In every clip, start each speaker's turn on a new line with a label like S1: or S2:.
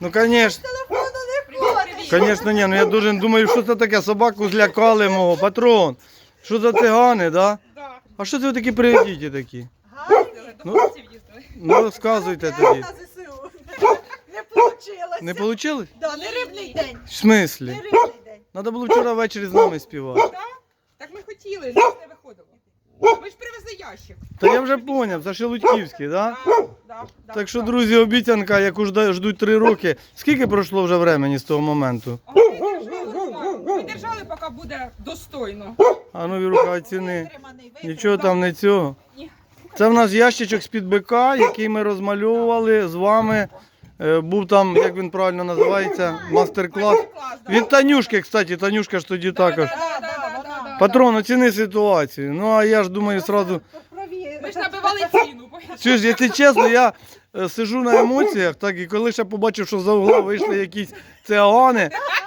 S1: Ну, звісно. Звісно, ні. Ну я дуже думаю, що це таке, собаку злякали мого. Патрон. Що за цигани, да?
S2: Да.
S1: А що це ви такі приведіті такі?
S2: До хлопців їздили.
S1: Ну, розказуйте тоді.
S3: На ЗСУ. Не получилось.
S1: Не вийшло?
S3: Да, не рибний день.
S1: В смислі?
S3: Не рибний день.
S1: Треба було вчора ввечері з нами співати.
S2: Да? Так ми хотіли, нас не виходило. Ми ж привезли ящик.
S1: Та я вже зрозумів, це Шелудьківський, так?
S2: Да,
S1: Так що, друзі, обіцянка, яку ждуть 3 роки. Скільки пройшло вже времени з того моменту?
S2: Ми держали, поки буде достойно.
S1: А ну, Віруха, оціни.
S3: Витриманий,
S1: Нічого там не цього.
S2: Ні.
S1: Це в нас ящичок з-під бика, який ми розмальовували з вами. Був там, як він правильно називається, мастер-клас. Від Танюшки, кстати, Танюшка ж тоді також. Патрон, оціни ситуацію. Ну, а я ж думаю, сразу...
S2: Ми ж набивали ціну.
S1: Чуєш, якщо чесно, я сижу на емоціях, так, і коли ще побачив, що за угла вийшли якісь цигани,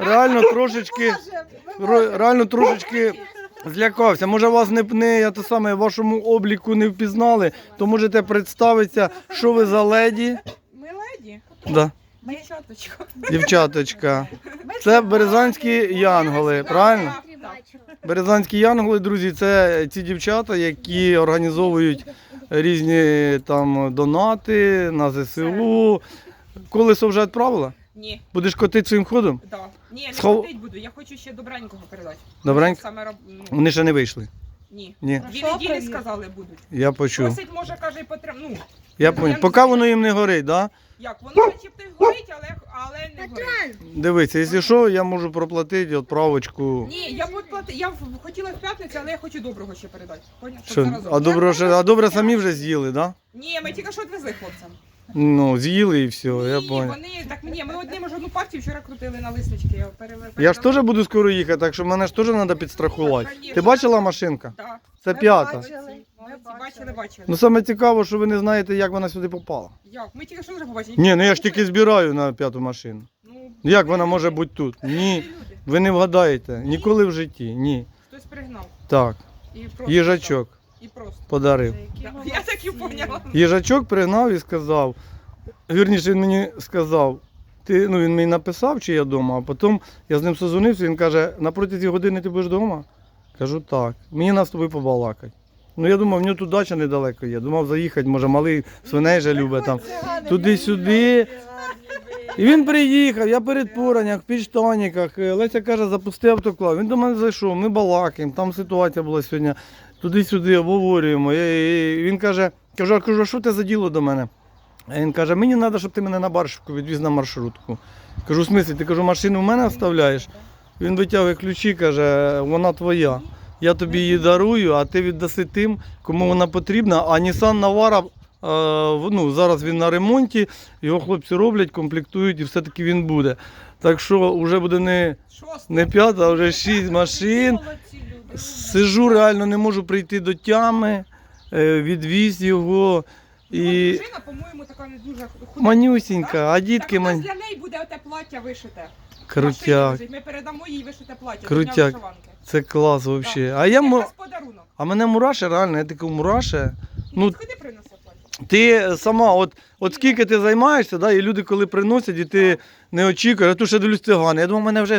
S1: реально трошечки злякався. Може вас я те саме, в вашому обліку не впізнали, то можете представитися, що ви за леді.
S2: Ми леді.
S1: Да.
S2: Дівчаточка.
S1: Дівчаточка. Це березанські янголи, правильно? Березанські янголи, друзі, це ці дівчата, які організовують різні там донати на ЗСУ. Колесо вже відправила?
S2: Ні.
S1: Будеш котити своїм ходом?
S2: Да. Ні, не
S1: Схов-
S2: ходить буду. Я хочу ще добренького передати.
S1: Добренько?
S2: Саме
S1: Вони ще не вийшли.
S2: Ні.
S1: Ні,
S2: 2 неділі сказали будуть.
S1: я почув.
S2: Просить, може, каже, і ну,
S1: Я поняв. Поки воно їм не горить, так?
S2: як, воно начебто й горить, але не горить.
S1: Дивіться, якщо що, я можу проплатити відправочку.
S2: Ні, я хотіла в п'ятницю, але я хочу доброго ще передати. Поняв? Щоб
S1: Що?
S2: заразом.
S1: А добре самі вже з'їли, так? Да?
S2: Ні, ми тільки що відвезли хлопцям.
S1: Ну, з'їли і все, я
S2: Ні,
S1: понял.
S2: вони, так мені, ми одним ж одну партію вчора крутили на листочки.
S1: Я ж теж буду скоро їхати, так що мене ж теж треба підстрахувати. Ти бачила машинка?
S2: Так.
S1: Це 5-та.
S2: Бачили.
S1: Ну саме цікаво, що ви не знаєте, як вона сюди попала.
S2: Як? Ми тільки що вже побачили.
S1: Ні, ну я ж тільки збираю на 5-ту машину.
S2: Ну,
S1: Як вона може бути тут? Ні,
S2: люди.
S1: ви не вгадаєте. Ніколи в житті. Ні.
S2: Хтось пригнав.
S1: Так,
S2: І просто
S1: їжачок
S2: І просто.
S1: подарив.
S2: Да, я так і поняла.
S1: Їжачок пригнав і сказав, вірніше він мені сказав, він мені написав, чи я вдома, а потім я з ним созвонився, він каже, на протязі години ти будеш вдома? Кажу, так. Мені нас з тобою побалакати. Ну я думав, в нього тут дача недалеко є. Думав заїхати, може малий свиней же любить там. Туди-сюди. І він приїхав, я перед Поранях, в підштанниках. Леся каже, запусти автоклав. Він до мене зайшов, ми балакаємо, там ситуація була сьогодні. Туди-сюди обговорюємо. І він каже, а що ти за діло до мене? А він каже, мені треба, щоб ти мене на Баршівку відвіз на маршрутку. Кажу, в смислі, ти кажу, машину в мене оставляєш? Він витягує ключі, каже, вона твоя. Я тобі її дарую, а ти віддаси тим, кому вона потрібна. А Nissan Navara, зараз він на ремонті, його хлопці роблять, комплектують і все-таки він буде. Так що вже буде не 5, а вже 6 машин. Сижу, реально не можу прийти до тями, відвіз його. І
S2: Дружина, по-моєму, така не дуже худа.
S1: манюсінька, а дітки
S2: Так, для неї буде оте плаття вишите.
S1: Крутяк,
S2: Машині, ми передамо їй вишите плаття.
S1: Крутяк.
S2: до Дня вишиванки.
S1: це клас взагалі.
S2: Так.
S1: А я
S2: Якраз подарунок.
S1: а мене мураше, реально, я такий мураше. Ну,
S2: Ходи принесе плаття.
S1: ти сама, от скільки ти займаєшся, да, і люди коли приносять, і ти не очікуєш, а тут ще дивлюсь цигани. Я думав, мене вже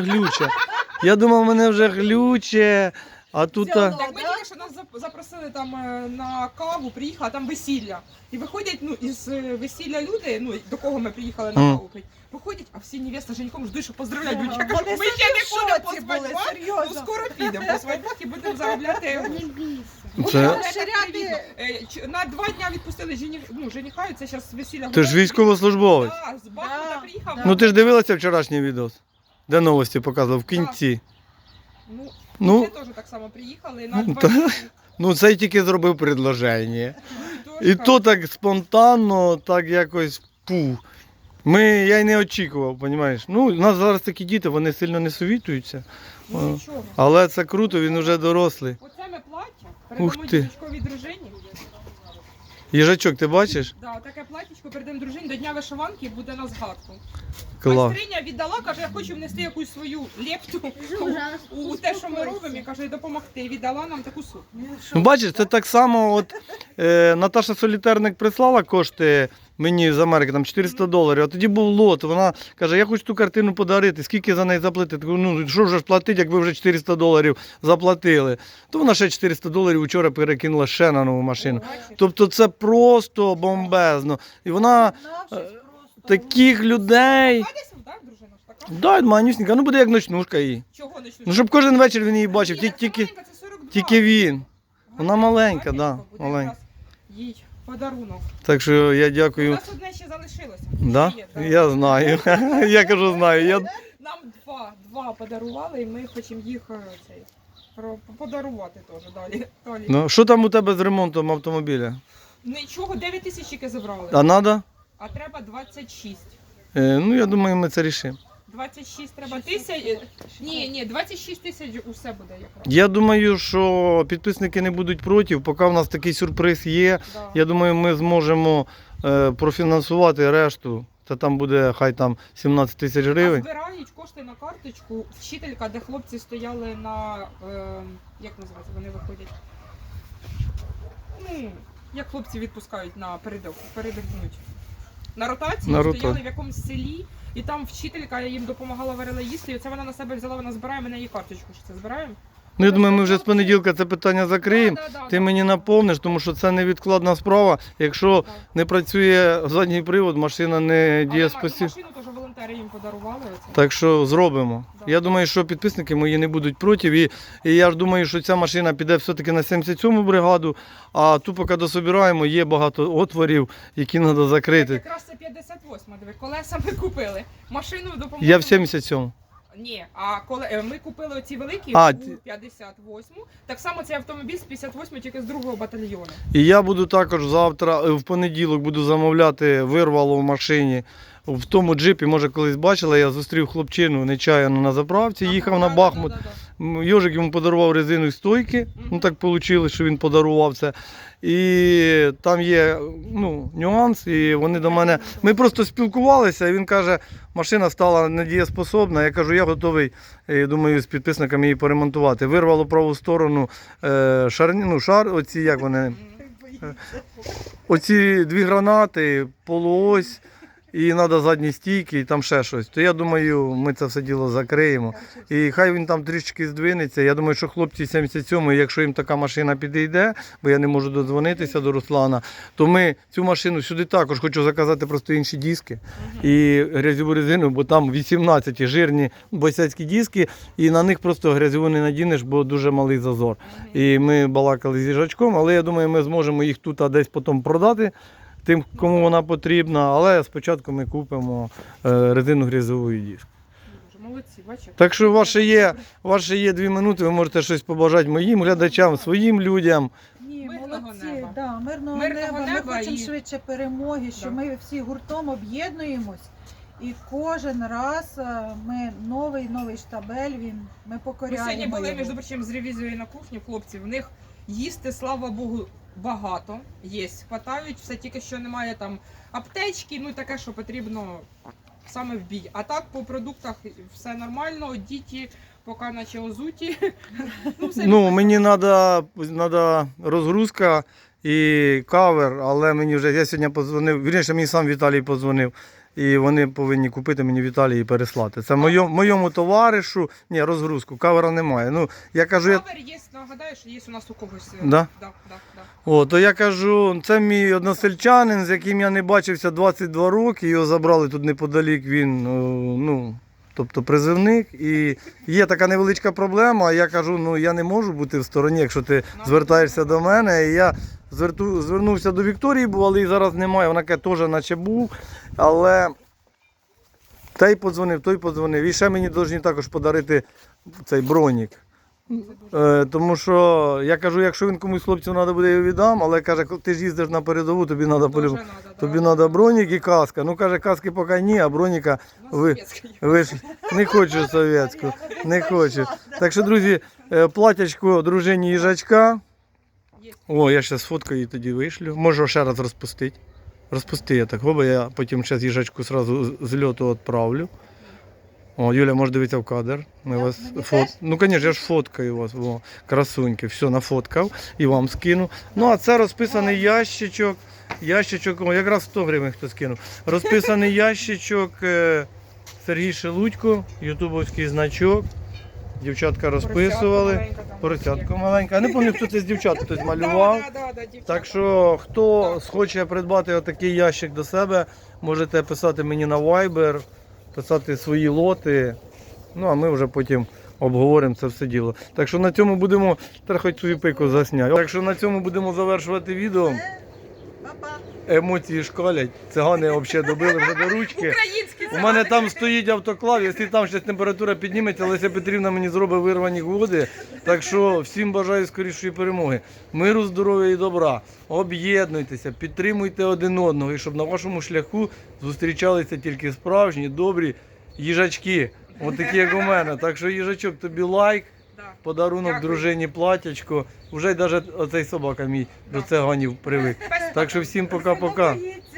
S1: глюче. А тут...
S2: Так ми тільки що нас запросили там на каву, приїхали, а там весілля. І виходять, із весілля люди, до кого ми приїхали на каву пити, виходять, а всі невеста з женихом ждуть, що поздравляють. Я кажу, ми ще не ходимо по свадьбах, скоро підемо по свадьбах і будемо заробляти.
S1: Це...
S2: На 2 дня відпустили жениха, і це зараз весілля.
S1: Ти ж військовослужбовець.
S2: Так, з Бахмута приїхав.
S1: Ну ти ж дивилася вчорашній відос, де новості показував в кінці.
S2: Ну, ми теж так само приїхали на 2 дні.
S1: Цей тільки зробив предложення. І то так спонтанно, так якось я й не очікував, розумієш. У нас зараз такі діти, вони сильно не совітуються.
S2: Ну нічого.
S1: Але це круто, він вже дорослий.
S2: Оце ми плаття,
S1: Ух
S2: передамо
S1: ти.
S2: дівчинковій дружині.
S1: Їжачок, ти бачиш?
S2: Да, таке платтячко передамо дружині до Дня вишиванки буде на згадку.
S1: Клас.
S2: Майстриня віддала, каже, я хочу внести якусь свою лепту у те, що ми робимо, і каже, допомогти. Віддала нам таку сумку.
S1: Бачиш, це так само, Наташа Солітерник прислала кошти мені з Америки там $400, а тоді був лот. Вона каже, я хочу ту картину подарити, скільки за неї заплатити? Кажу, ну що вже ж платити, як ви вже $400 заплатили. То вона ще $400 вчора перекинула ще на нову машину.
S2: Бачиш?
S1: Тобто це просто бомбезно. І вона таких людей.
S2: Така десь, так, дружина ж така?
S1: Да, манюсінька, ну буде як ночнушка її.
S2: Чого не
S1: Ну щоб кожен вечір він її бачив,
S2: Ні, це
S1: тільки,
S2: маленька, це 42.
S1: тільки він. Вона маленька,
S2: Гарненько
S1: да,
S2: буде
S1: маленька.
S2: якраз їй подарунок.
S1: Так що я
S2: У
S1: дякую.
S2: нас одне ще залишилося.
S1: Да?
S2: Ще є, да.
S1: Я знаю. Я кажу, знаю.
S2: Нам два подарували, і ми хочемо їх подарувати теж далі.
S1: Ну, що там у тебе з ремонтом автомобіля?
S2: Нічого, 9 тисяч тільки забрали.
S1: А треба?
S2: А треба 26.
S1: Ну, я думаю, ми це рішимо.
S2: 26 треба тисяч. Ні, 26 тисяч усе буде якраз.
S1: Я думаю, що підписники не будуть проти, поки в нас такий сюрприз є.
S2: Да.
S1: Я думаю, ми зможемо профінансувати решту. Та там буде хай там 17 тисяч
S2: А
S1: гривень.
S2: збирають кошти на карточку. Вчителька, де хлопці стояли на як називається, вони виходять. Ну, як хлопці відпускають на передихнуть. На ротації
S1: На
S2: стояли
S1: рота-
S2: в якомусь селі, і там вчителька їм допомагала, варила їсти, і оце вона на себе взяла, вона збирає, ми на її карточку ще це збираємо.
S1: Ну, я думаю, ми вже з понеділка це питання закриємо. Ти мені наповниш, тому що це невідкладна справа. Якщо не працює задній привод, машина не дієспосібна.
S2: Машину теж волонтери їм подарували. Оце.
S1: Так що зробимо.
S2: Да.
S1: Я думаю, що підписники мої не будуть проти. І я ж думаю, що ця машина піде все-таки на 77-му бригаду, а ту поки дособираємо, є багато отворів, які треба закрити.
S2: Якраз це 58-ма, диви, колеса ми купили. Машину допомогли.
S1: Я в 77-му.
S2: Ні, а коли ми купили оці великі
S1: А,
S2: у 58-му, так само цей автомобіль з 58-му, тільки з другого батальйону.
S1: І я буду також завтра, в понеділок, буду замовляти вирвало в машині. В тому джипі, може колись бачила, я зустрів хлопчину нечаяно на заправці, їхав на Бахмут. Йожик йому подарував резину і стойки. Ну так вийшло, що він подарував це. І там є нюанс, і вони до мене. Ми просто спілкувалися, і він каже, машина стала недієспособна. Я кажу, я готовий, думаю, з підписниками її поремонтувати. Вирвало праву сторону шар, оці як вони. Оці дві гранати, полуось. І треба задні стійки, і там ще щось. То я думаю, ми це все діло закриємо. І хай він там трішки здвинеться. Я думаю, що хлопці 77-ї, якщо їм така машина підійде, бо я не можу додзвонитися до Руслана, то ми цю машину сюди також хочу заказати просто інші диски і грязьову резину, бо там 18 жирні босяцькі диски, і на них просто грязьову не надінеш, бо дуже малий зазор. І ми балакали з їжачком, але я думаю, ми зможемо їх тут десь потім продати тим, кому вона потрібна, але спочатку ми купимо резину грязьову і диск.
S2: Дуже молодці, бачите.
S1: Так що ваше є 2 минути, ви можете щось побажати моїм глядачам, своїм людям.
S3: Ні,
S2: Мирного
S3: молодці,
S2: неба.
S3: да, мирного
S2: Мирного
S3: неба. Ми
S2: неба
S3: хочемо
S2: і-
S3: швидше перемоги, що
S2: Да.
S3: ми всі гуртом об'єднуємось. І кожен раз ми новий штабель, ми
S2: Ми
S3: покоряємо.
S2: сьогодні були,
S3: його.
S2: між прочим, з ревізією на кухні, хлопці, в них їсти, слава Богу, багато є, хватають, все тільки що немає там аптечки, ну і таке, що потрібно саме в бій. А так по продуктах все нормально, діти поки наче озуті. Все
S1: Ну, мені треба розгрузка і кавер, але мені вже, я сьогодні подзвонив, вірніше, мені сам Віталій подзвонив. І вони повинні купити мені в Італії і переслати. Це моєму товаришу. Ні, розгрузку, кавера немає. Ну, я кажу,
S2: Кавер є, нагадаю, що є у нас у когось.
S1: Да?
S2: Да.
S1: То я кажу, це мій односельчанин, з яким я не бачився 22 роки, його забрали тут неподалік, він, тобто призивник. І є така невеличка проблема, я кажу, я не можу бути в стороні, якщо ти звертаєшся до мене. І я звернувся до Вікторії, але її зараз немає, вона каже, теж наче був, але той подзвонив. І ще мені повинні також подарити цей бронік. Тому що я кажу, якщо він комусь хлопцю треба буде, я його віддам, але каже, ти ж їздиш на передову, тобі треба бронік і каска. Ну каже, каски поки ні, а броніка ви ж не хочу совєтську, не хочу. Так що, друзі, платячко дружині їжачка. О, я ще сфоткаю і тоді вишлю. Можу ще раз розпустити. Розпусти я так, бо я потім ще їжачку одразу з льоту відправлю. О, Юля, може дивитися в кадр. Ми
S3: Я-
S1: вас
S3: мені теж?
S1: Ну, звісно, я ж фоткаю вас. О, красуньки. Все, нафоткав і вам скину. Ну, а це розписаний ящичок. Ящичок, о, якраз 100 гривень хто скинув. Розписаний ящичок Сергій Шелудько, ютубовський значок. Дівчатка розписували. Поросятко маленьке. Я не пам'ятаю, хто це з дівчат хтось малював. Так що, хто хоче придбати отакий ящик до себе, можете писати мені на Viber, писати свої лоти. Ну, а ми вже потім обговоримо це все діло. Так що на цьому будемо, треба хоч свою пику засняти. Так що на цьому будемо завершувати відео.
S3: Па-па.
S1: Емоції шкалять. Цигани взагалі добили вже до ручки.
S2: Українські
S1: У мене там стоїть автоклав, якщо там ще температура підніметься, Леся Петрівна мені зробить вирвані води. Так що всім бажаю скорішої перемоги. Миру, здоров'я і добра. Об'єднуйтеся, підтримуйте один одного, і щоб на вашому шляху зустрічалися тільки справжні, добрі їжачки. От такі, як у мене. Так що, їжачок, тобі лайк, подарунок
S2: Дякую.
S1: дружині платячко. Уже й навіть оцей собака мій до циганів привик. Так що всім пока-пока.
S3: Боїться.